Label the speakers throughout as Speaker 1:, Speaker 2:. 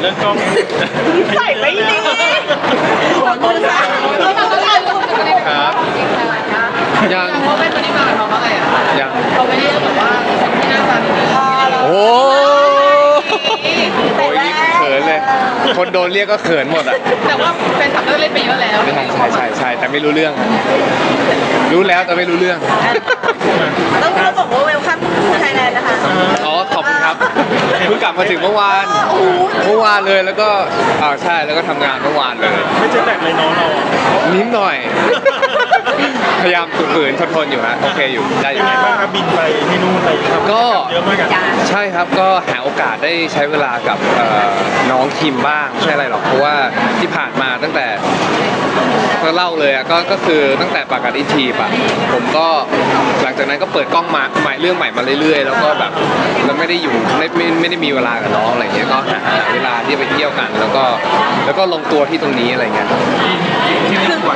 Speaker 1: เรื่องกล้อง
Speaker 2: ใส่ไม่ดีคนมือสั่น
Speaker 3: ครับยัง
Speaker 4: เขาเป็นคนที่มาเขาว่าไงอ่ะ
Speaker 3: ยัง
Speaker 4: เขาไม่ได้แบบว่าคนที่หน้าตาดี
Speaker 3: โอ้โหเขินเลย คนโดนเรียกก็เขินหมดอ่ะ
Speaker 4: แต่ว่าแฟนคลับก็เล่นไปเยอะแล้ว
Speaker 3: ใช่แต่ไม่รู้เรื่อง รู้แล้วแต่ไม่รู้เรื่อง
Speaker 2: ต้องบอกว่าเวลคัมทูไทยแลนด์นะคะ
Speaker 3: อ๋อขอบคุณครับเพิ่งกลับมาถึงเมื่อวานเลยแล้วก็ใช่แล้วก็ทำงานเมื่อวานเลย
Speaker 1: ไม่เจอแต่เลยน้องเรา
Speaker 3: นิดหน่อย พยายามฝืนๆทนๆอยู่ฮะโอเคอยู่ได้อยู่
Speaker 1: ยังไงบ้างครับบินไปที่นู่นอะไรครับ
Speaker 3: ก็
Speaker 1: เยอะมากกัน
Speaker 3: ใช่ครับก็หาโอกาสได้ใช้เวลากับน้องคิมบ้างไม่ใช่อะไรหรอกเพราะว่าที่ผ่านมาตั้งแต่ก็เล่าเลยอ่ะก็คือตั้งแต่ปากกัดอีทีปะผมก็หลังจากนั้นก็เปิดกล้องมาใหม่เรื่องใหม่มาเรื่อยๆแล้วก็แบบเราไม่ได้อยู่ไม่ได้มีเวลากับน้องอะไรเงี้ยก็หาเวลาที่ไปเที่ยวกัน แล้วก็ลงตัวที่ตรงนี้อะไรเงี้ย
Speaker 1: ที่นี่กี่วัน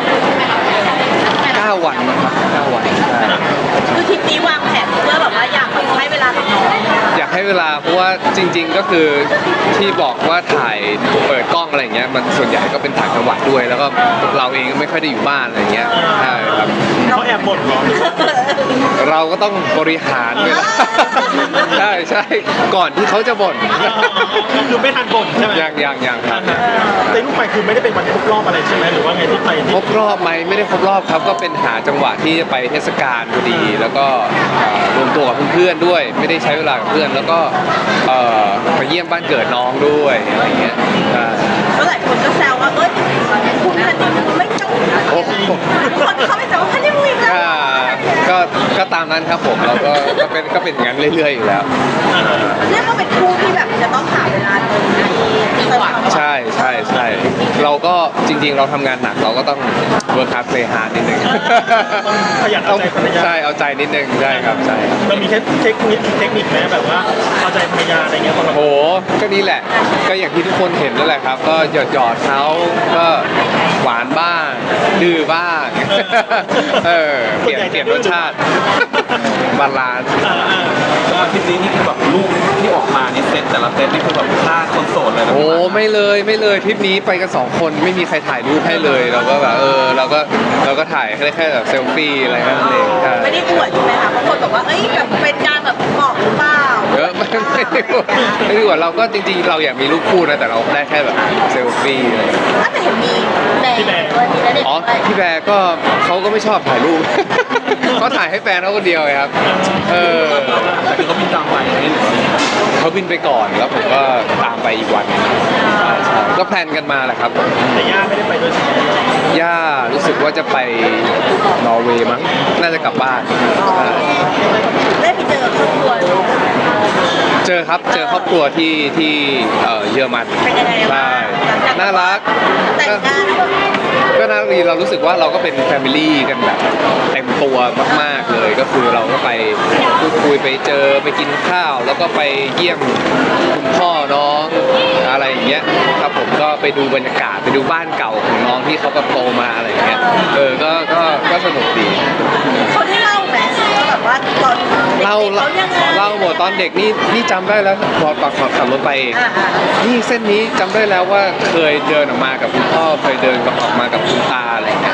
Speaker 3: 9 วันนะครับ9 วันใช่
Speaker 2: คือทริปนี้วางแผนเพื่อแบบว่าอยากให้เวลากับน้อง
Speaker 3: อยากให้เวลาเพราะว่าจริง ๆก็คือที่บอกว่าถ่ายเปิดกล้องอะไรเงี้ยมันส่วนใหญ่ก็เป็นถ่ายจังหวัดด้วย แล้วก็เราเองก็ไม่ค่อยได้อยู่บ้านอะไรเงี้ยใช่ครับ
Speaker 1: เขาแอบบ่นเหรอ
Speaker 3: เราก็ต้องบริหารเวลา ใช่ก่อนที่เขาจะบ่น
Speaker 1: คือไม่ทันบ่นใช่ไหม
Speaker 3: ยังครับ
Speaker 1: แต่ลูกไปคือไม่ได้เป็นวันครบรอบอะไรใช่ไหมหรือว่าไงที่ไป
Speaker 3: ครบรอบไหมไม่ได้ครบรอบครับก็เป็นหาจังหวะที่จะไปเทศกาลพอดี แล้วก็รวมตัวกับเพื่อนๆด้วย ไม่ได้ใช้เวลากับเพื่อนแล้วก็ไปเยี่ยมบ้านเกิดน้องด้วยอะไรเงี้ยใช่
Speaker 2: แล้วหลายคนก็แซวว่าเอ้ยคุณฮันนี่มูนไม่จบ
Speaker 3: โอ้โห
Speaker 2: ทุกคนเขาไม่แซวว่าฮันนี่มูนอีกแล้ว
Speaker 3: ก็ตามนั้นครับผมเราก็เป็นอย่างนั้นเรื่อยๆอยู่แล้ว
Speaker 2: เรียกว่าเป็นคู่ที่แบบจะต้องหาเวลาตรงในจังหวัด
Speaker 3: ใช่เราก็จริงๆเราทำงานหนักเราก็ต้อง work hard play hard นิดนึง
Speaker 1: ขยันเอาใจภรรยา
Speaker 3: ใช่เอาใจนิดนึงใช่ครับใช่
Speaker 1: เรามีเทคนิคไหมแบบว่าเอาใจภรรยาอะไรเงี้ยตอนเรา
Speaker 3: โหก็นี่แหละก็อย่างที่ทุกคนเห็นนั่นแหละครับ ก็หยอดเขาก็หวานบ้างดื้อบ้างเปลี่ยนรสชาติบาลานซ์
Speaker 5: แล้วอาทิตย์นี้นี่คือแบบรูปที่ออกมานี่เซตแต่ละเซตนี่คือแบบฆ่าคนโสดเลยนะ
Speaker 3: โอ้ไม่เลยทริปนี้ไปกัน2 คนไม่มีใครถ่ายรูปให้เลยเราก็แบบเราก็ถ่ายแค่แบบเซลฟี่อะไรนั่นเองใช่
Speaker 2: ไม่ได้อวดใช่ไหมคะบางคนบอกว่าเอ้ยแบบเป็นการแบบบอกหรือเปล่า
Speaker 3: ไม่ได้ว่าเราก็จริงๆเราอยากมีรูปคู่นะแต่เราได้แค่แบบเซลฟี่อะไร
Speaker 2: ถ้าแต่เห็นมีแบร์ด้วยมีณเด็ก
Speaker 3: อ๋อ
Speaker 2: ด้วย
Speaker 3: พี่แบร์ก็เขาก็ไม่ชอบถ่ายรูป เขาถ่ายให้แฟนเขาคนเดียวไงครับ
Speaker 5: แต่คือเขาบินตามไปนี่หรือว่า
Speaker 3: เขาบินไปก่อนแล้วผมก็ตามไปอีกวันหนึ่งใช่ก็แพลนกันมาแหละครับ
Speaker 1: แต่ย่าไม่ได้ไปด้วยใช่ไหม
Speaker 3: ย่ารู้สึกว่าจะไปนอร์เวย์มั้งน่าจะกลับบ้านใช่
Speaker 2: ได้ไปเจอครอบครัว
Speaker 3: เจอครอบครัวที่เยอรมัน
Speaker 2: เป็นยังไง
Speaker 3: ใช่
Speaker 2: บ้าง
Speaker 3: น่ารัก
Speaker 2: แต่งงาน
Speaker 3: ก็น่ารักดีเรารู้สึกว่าเราก็เป็นแฟมิลี่กันแบบเต็มตัวมากๆเลยก็คือเราก็ไปพูดคุยไปเจอไปกินข้าว แล้วก็ไปเยี่ยมคุณพ่อน้องอะไรอย่างเงี้ยครับผมก็ไปดูบรรยากาศไปดูบ้านเก่าของน้องที่เขาแบบโตมาอะไรอย่างเงี้ยก็สนุกดี
Speaker 2: เขาได้เล่าไหมแบบว่าตอนเด็กๆ
Speaker 3: เล่า
Speaker 2: เขายังไง
Speaker 3: เล่าหมดตอนเด็กนี่จำได้แล้วพอขับรถไปเอง
Speaker 2: อ่า
Speaker 3: นี่เส้นนี้จำได้แล้วว่าเคยเดินออกมากับคุณพ่อเคยเดินออกมากับคุณตาอะไรอย่างเงี้ย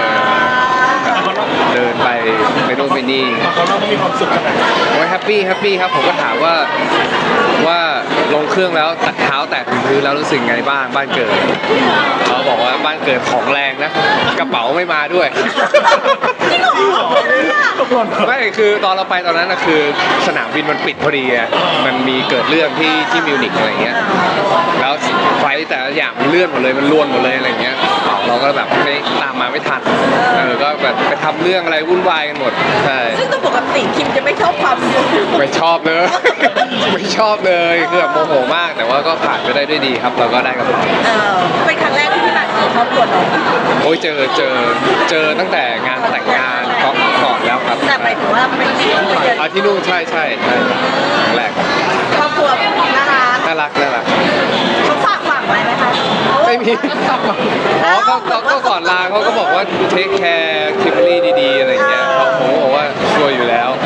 Speaker 3: เดินไปนู่นไปนี่
Speaker 1: เขาเล่าเขามีความสุขขนาดไหน
Speaker 3: โอ้ยแฮปปี้ครับผมก็ถามว่าลงเครื่องแล้วตัดเท้าแตะถึงพื้นแล้วรู้สึกไงบ้างบ้านเกิดเขาบอกว่าบ้านเกิดของแรงนะกระเป๋าไม่มาด้วย
Speaker 2: จริงเหรอ
Speaker 3: ไม่คือตอนเราไปตอนนั้นนะคือสนามบินมันปิดพอดีไงมันมีเกิดเรื่องที่มิวนิกอะไรเงี้ยแล้วไฟล์แต่ละอย่างมันเลื่อนหมดเลยมันล้วนหมดเลยอะไรเงี้ยเราก็แบบไม่ตามมาไม่ทันก็แบบไปทำเรื่องอะไรวุ่นวายกันหมดใช่
Speaker 2: ซึ่งตัวปกติคิมจะไม่ชอบความยุ่ง
Speaker 3: ไม่ชอบเลย ไม่ชอบเลยคือแบบโมโหมากแต่ว่าก็ผ่านไปได้ด้วยดีครับเราก็ได้กับเรา
Speaker 2: เป็นครั้งแรกที่พี่มาเจอครอบครัวน้อง
Speaker 3: โอ้ยเจอตั้งแต่งานแต่งงานก่อนแล้วครับ
Speaker 2: แต่หมายถึงว่าเป็นที่ที่เจอ
Speaker 3: ที่นู่นใช่ครั้งแรก
Speaker 2: ครอบครัวน่ารัก
Speaker 3: น่ารัก
Speaker 2: เขาฝากไว้ไหมคะ
Speaker 3: ไม่มีอ๋อก็ก่อนลาเขาก็บอกว่าเทคแคร์คิมเบอรี่ดีๆอะไรอย่างเงี้ยผมบอกว่าช่วยอยู่แล้ว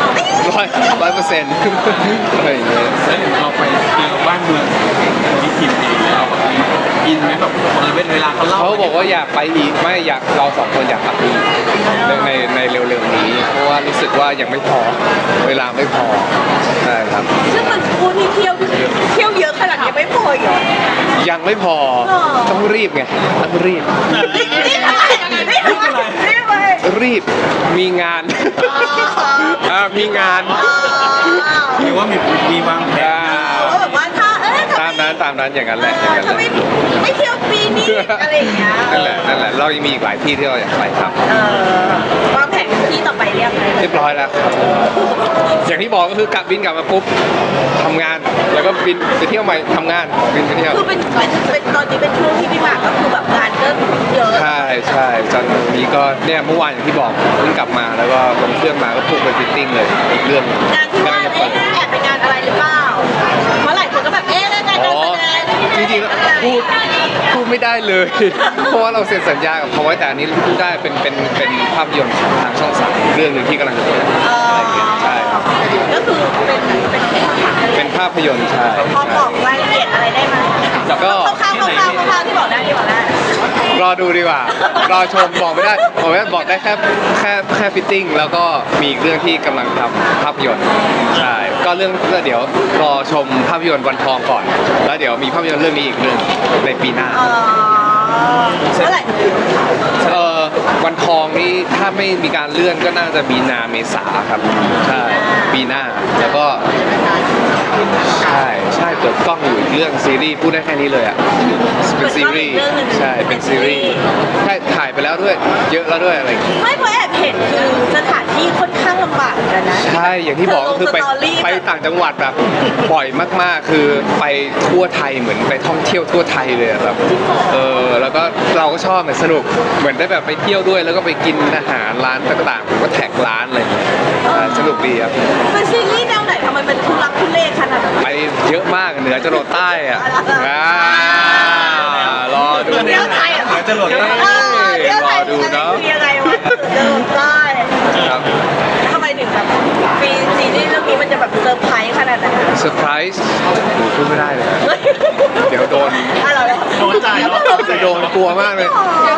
Speaker 3: 100%อะไรอย่างเงี้ย
Speaker 5: แล้วเราไปเจอบ้านเมืองที่ทีมเองแล้วอินไหมแบบเวลาเขาเล่า
Speaker 3: เขาบอกว่าอยากไปอีกไม่อยากเราสองคนอยากกลับไปอีกในเร็วๆนี้ เพราะว่ารู้สึกว่ายังไม่พอเวลาไม่พอใช่ครับ
Speaker 2: ซึ่งมันคู่ที่เที่ยวเยอะขนาดนี้ไม่พออีกเหรอ
Speaker 3: ยังไม่พอ
Speaker 2: หรอ
Speaker 3: ต้องรีบไงต้องรีบ
Speaker 2: นี่อะไรนี่ไป
Speaker 3: รีบมีงาน มีงาน
Speaker 5: หรือว่ามีวางแผน
Speaker 2: เขาแบบว่าถ้า
Speaker 3: ตามนั้นอย่างนั้นแหละอย่างนั้น
Speaker 2: ถ้า
Speaker 3: แหละ
Speaker 2: ไม่เที่ยวปีนี้อะไรอย่างเงี้ย
Speaker 3: นั่นแหละเรายังมีอีกหลายที่ที่เราอยากไปครับ
Speaker 2: วางแผนที่ต่อไปเรียบร้อย
Speaker 3: เรียบร้อยแล้วครับอย่างที่บอกก็คือกลับบินกลับมาปุ๊บทำงานแล้วก็บินไปเที่ยวใหม่ทำงานบินไปเที่ยว
Speaker 2: คือเป็นตอนนี้เป็นช่วงที่พี่หมากก็คือแบบงานก็เยอะ
Speaker 3: ใช่จันทร์นี้ก็เนี่ยเมื่อวานอย่างที่บอกเพิ่งกลับมาแล้วก็ลงเครื่องมาก็พุ่งไปฟิตติ้งเลยอีกเรื่อง
Speaker 2: งานที่ว่าแอบเป็นงานอะไรหรือเปล่าเพราะหลายคนก็แบบงานการแสดง
Speaker 3: จริงๆแล้วพูดไม่ได้เลย เพราะว่าเราเซ็นสัญญากับเขาไว้แต่อันนี้พูดได้เป็นภาพยนตร์ของทางช่องสามเรื่องหนึ่งที่กำลังจะเปิดอะไรอย่างเงี้ยใช่ครับ
Speaker 2: ก็คือเป็น
Speaker 3: ภาพยนตร์ใช่
Speaker 2: พอบอกรายละเอียดอะไรได้ไหม
Speaker 3: ก็
Speaker 2: คร่าวๆที่บอกได้ที่บอกได้
Speaker 3: รอดูดีกว่ารอชมบอกไม่ได้บอกได้แค่ฟิตติ้งแล้วก็มีอีกเรื่องที่กำลังทำภาพยนตร์ใช่ก็เดี๋ยวรอชมภาพยนตร์วันทองก่อน แล้วเดี๋ยวมีภาพยนตร์เรื่องนี้อีกเรื่องในปีหน้า
Speaker 2: เมื่อไหร่
Speaker 3: วันทองนี่ถ้าไม่มีการเลื่อนก็น่าจะมีนาเมษาครับใช่ปีหน้าแล้วก็ใช่เปิดกล้องอยู่อีกเรื่องซีรีส์พูดได้แค่นี้เลยอ่ะเป็นซีรีส์ใช่เป็นซีรีส์ใช่ถ่ายไปแล้วด้วยเยอะแล้วด้วยอะไรอย่างเงี้ย
Speaker 2: ไม่เพราะแอบเห็นคือสถานที่ค่อนข้างลำบากเหมือนกันนะ
Speaker 3: ใช่อย่างที่บอกก็คือไปต่างจังหวัดแบบบ่อยมากๆคือไปทั่วไทยเหมือนไปท่องเที่ยวทั่วไทยเลยอะแบบแล้วก็เราก็ชอบสนุกเหมือนได้แบบไปเที่ยวด้วยแล้วก็ไปกินอาหารร้านต่างๆผมก็แท็กร้านอะไรอย่างเงี้ยสนุกดีครับ
Speaker 2: เป็นซีรีส์แนวไหนทำไมเป็นทุลักทุเลขนาดนั้น
Speaker 3: ไปเยอะมากเหนือจรดใต้อ่ะรอดู
Speaker 2: เที่ยวไทยอ่ะ
Speaker 5: เหนือจรดใต้
Speaker 2: เที่ยวไทย
Speaker 3: รอดูเนาะ
Speaker 2: ยังไงวะเดินได้
Speaker 3: ครับ
Speaker 2: ทำไมถึงแบบฟีซีรีส์เรื่องนี้มันจะแบบเซอร์ไพรส์ขนาดนั้น
Speaker 3: เซอร์ไพรส์พูดไม่ได้เลยเดี๋ยวโดน
Speaker 2: อะไร
Speaker 1: โดนใจแล้ว
Speaker 3: จะโดนกลัวมากเลย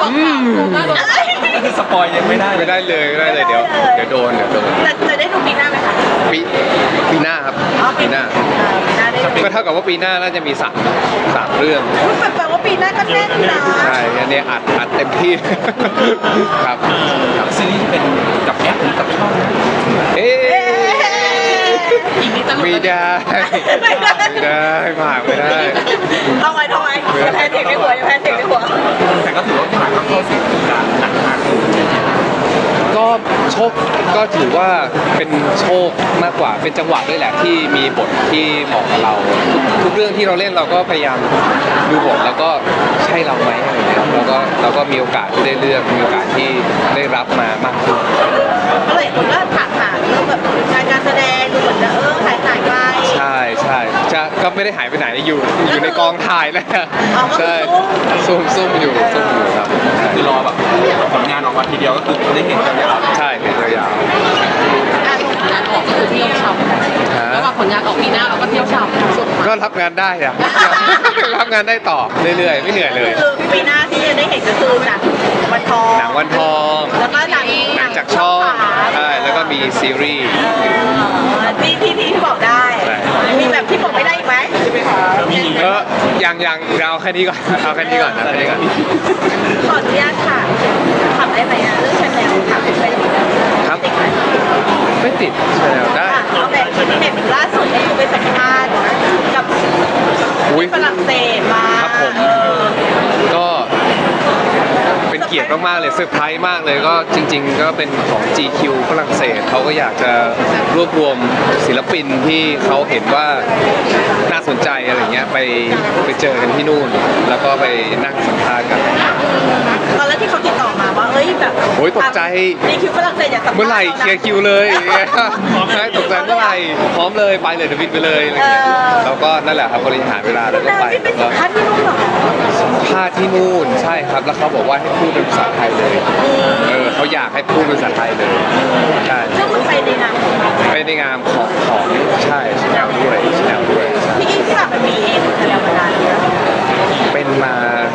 Speaker 5: คือสปอยยังไม่ได้
Speaker 3: ไม่ได้เลยเดี๋ยวโดน
Speaker 2: จะได้ดูปีหน้าไหมคะ
Speaker 3: ปีหน้าครับปีหน้า
Speaker 2: ปีหน้าได้ดู
Speaker 3: ก็เท่ากับว่าปีหน้าน่าจะมีสามเรื่อง
Speaker 2: แปลว่าปีหน้าก็แน่นนะ
Speaker 3: ใช่อันนี้อัดเต็มที่ ครับ
Speaker 5: ซีรีส์ที่เป็นกับแอปหรือกับช่อง
Speaker 3: เอ๊ะ
Speaker 4: อีกนิดจะหลุด
Speaker 3: ไม่ได้ไม่ได้ผ่านไม่ได้
Speaker 2: ทำไมแพ้เสียงในหัวแพ้เสียงในหัว
Speaker 5: แต่ก็ถือว่าผ่านเข้าสู่วงการหนังมากขึ้น
Speaker 3: ก็โชคก็ถือว่าเป็นโชคมากกว่าเป็นจังหวะด้วยแหละที่มีบทที่เหมาะกับเราทุกเรื่องที่เราเล่นเราก็พยายามดูบทแล้วก็ใช่เราไหมอะไรเงี้ยเราก็มีโอกาสที่ได้เลือกมีโอกาสที่ได้รับมามากขึ้น
Speaker 2: ก็เลยคนก็ถามหาเรื่องแบบการแสดงดูเหมือนจะหายไป
Speaker 3: ใช่ก็ไม่ได้หายไปไหนอยู่ในกองถ่ายนะ
Speaker 2: อ๋อก็คือ
Speaker 3: ใช่ซุ่มอยู่ครับ
Speaker 5: คือรอแบบผลงานออกมาทีเดียวก็คือได้เห็นกันยาว
Speaker 3: ใช่เป็นยาว
Speaker 4: งานออกก็คือเที่ยวฉ่ำ
Speaker 3: ๆฮะ
Speaker 4: แล้วมาผลงานออกปีหน้าเราก็เที่ยวฉ่ำสุด
Speaker 3: ก็รับงานได้อะ รับงานได้ต่อเรื่อยๆไม่เหนื่อยเลย
Speaker 2: คือปีหน้าที่จะได้เห็นก็คือหนังวันทอง
Speaker 3: หนังวันทอง
Speaker 2: แล้วก็หนัง
Speaker 3: หนังจากช่องใช่แล้วก็มีซีรีส์
Speaker 2: ที่บอกได้
Speaker 3: ใช่
Speaker 2: มีแบบที่บอกไม่ได้อีกไหม
Speaker 3: ยังเอาแค่นี้ก่อนเอาแค่นี้ก่อนนะแค่นี้ก่อน
Speaker 2: ขออนุญาตค่ะถามได้ไหมอะเรื่องชาแนลถามได้ไหม
Speaker 3: ครับไม่ติดใช่แล้วได้
Speaker 2: เอาแบบเห็นล่าสุดก็คือไปสัมภาษณ์กับ
Speaker 3: อุ๊ย
Speaker 2: ฝรั่งเศสมา
Speaker 3: ครับผม ก็เป็นเกียรติมากๆเลยเซอร์ไพรส์มากเลยก็จริง ๆ ก็เป็นของ GQ ฝรั่งเศสเขาก็อยากจะรวบรวมศิลปินที่เขาเห็นว่าน่าสนใจอะไรเงี้ยไปเจอกันที่นู่น แล้วก็ไปนั่งสัมภาษณ์กัน
Speaker 2: ตอนแรกที่เขาติดต่อมาว่าเอ้ยแบบ
Speaker 3: โอ้ยตกใจ
Speaker 2: มีคิวฝรั่งเศสอยากสัมภาษณ์
Speaker 3: เมื่อไหร่เคลียร์คิวเลยใช่ตกใจเมื่อไหร่พร้อมเลยไปเลยเดวิดไปเลยอะไรเงี้ยแล้วก็นั่นแหละครับบริหารเวลาแล้วก็ไป
Speaker 2: ที่เป็น
Speaker 3: แล้ว
Speaker 2: สัม
Speaker 3: ก็
Speaker 2: ภาษณ์ที่นู่นเหรอ
Speaker 3: พาที่นู่นใช่ครับแล้วเขาบอกว่าให้พูดเป็นภาษาไทยเลยเขาอยากให้พูดเป็นภาษาไทยเลยใช่
Speaker 2: ซึ่งมันไปในนาม
Speaker 3: ไปในงามของใช่ชแนลด้วยใช่
Speaker 2: พี่อิงที่แบบมันมีเองแต่แล้วเวลาเนี่ย
Speaker 3: เป็นมา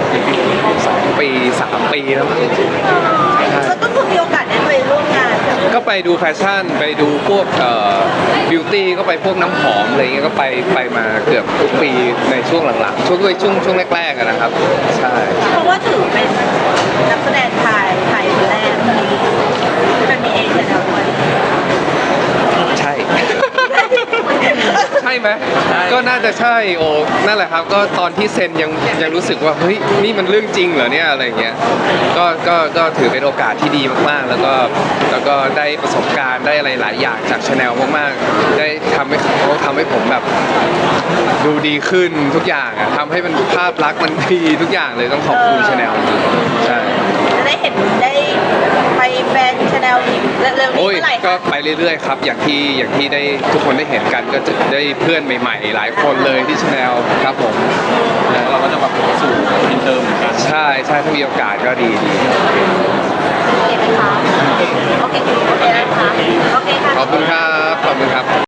Speaker 3: ดูแฟชั่นไปดูพวกบิวตี้ก็ไปพวกน้ำหอมอะไรเงี้ยก็ไปมาเกือบทุกปีในช่วงหลังๆช่วงแรกๆอะนะครับใช่
Speaker 2: เพราะว่าถือเป็นนักแสดงไทยคนแรกที่เป็นมีเอเชียแล้วด้วย
Speaker 3: ใช่ ใช่ไหมก็น่าจะใช่โอ้นั่นแหละครับก็ตอนที่เซ็นยังรู้สึกว่าเฮ้ยนี่มันเรื่องจริงเหรอเนี่ยอะไรเงี้ยก็ถือเป็นโอกาสที่ดีมากๆแล้วก็ได้ประสบการณ์ได้อะไรหลายอย่างจากชาแนลมากๆได้ทำให้ผมแบบดูดีขึ้นทุกอย่างอะทำให้มันภาพลักษณ์มันดีทุกอย่างเลยต้องขอบคุณชาแนลจริงๆใช่
Speaker 2: จะได้เห็นได้ไปแบรนด์ชาแนลอีกเร็วๆนี้
Speaker 3: โอ้ย
Speaker 2: เมื่อไหร่
Speaker 3: ก็
Speaker 2: คะ
Speaker 3: ไปเรื่อยๆครับอย่างที่ได้ทุกคนได้เห็นกันก็จะได้เพื่อนใหม่ๆ หลายคนเลยที่ชาแนลครับผม
Speaker 5: แล้วเราก็จะแบบสู่อินเตอร์เหมือนกัน
Speaker 3: ใช่ถ้ามีโอกาสก็ดี
Speaker 2: โอเคไหมคะโอเคนะคะโอเคค่ะ
Speaker 3: ขอบคุณครับ